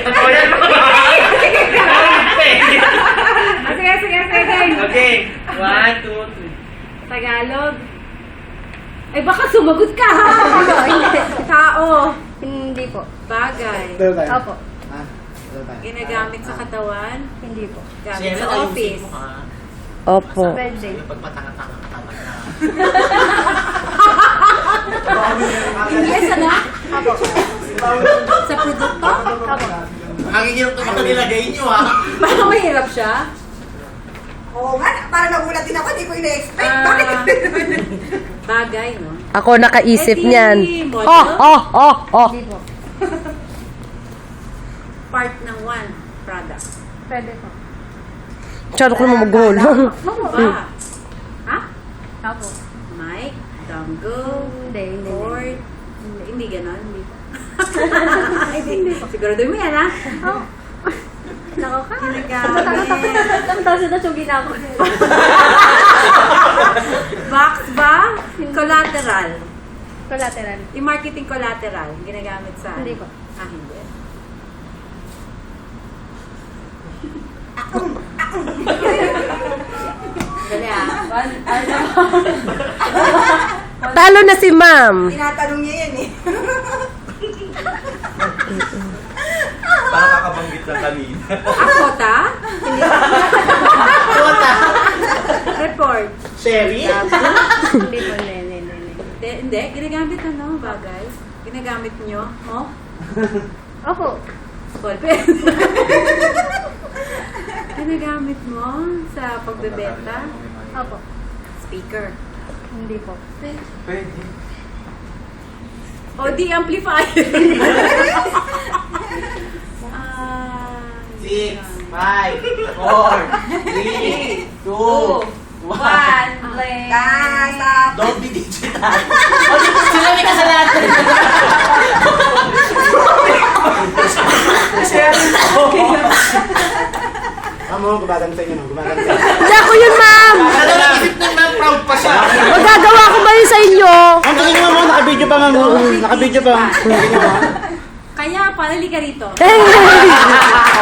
Sige. Okay. 1, 2, 3. Tagalog. Ay, baka sumagot ka ha! Tao. Hindi po. Bagay. Opo. Ginagamit sa katawan. Hindi po. Gamit sa office. Opo. Pwede. Pag matanga-tanga ka talaga. Yes, ano? Opo. Sa produkto? Opo. Ang hirap naman nilagay nyo ha. Parang mahirap siya. Oo nga, parang nagulat din ako, di ko ina-expect. Ah. Bakit? Bagay, no? Ako nakaisip Eh, di, niyan. model? Oh. Hindi po. Part ng one product. Pwede po. Masyado ko naman mag-goal. Ano ba? Ha? Opo. Mic? Dongle? Hindi. Cord? Hindi ganon? Hindi. Sigurado mo yan, ha? Oh. Nako ka. Ginagamit. Ang taso na sugin ako. Box ba? Collateral. Collateral. Yung marketing collateral. Ginagamit sa... Hindi po. Ah, hindi. Dali ah. Talo na si ma'am. Tinatanong niya yan eh. Parang kakabanggit na kanina. Akota? Kota. Report. Sherry? Hindi po. Hindi. Hindi. Ginagamit ano? Bagay. Ginagamit nyo? Oh? Opo. Ballpen. Ginagamit mo sa pagbebenta? Opo. Speaker. Hindi po. Pwede. O di amplifier. Ah, 6, 5, 4, 3, 2, 1. Play. Stop. Don't be digital. O, sila may kasalanan. Amo, gumaganda yun. Gumaganda. Hindi ako yun, ma'am. Ano lang isip ng ma'am, proud pa siya. Magagawa ko ba yun sa inyo? Ang tingin mo, naka-video pa, ma'am. Naka-video pa. Kaya, palali ka rito. Eh,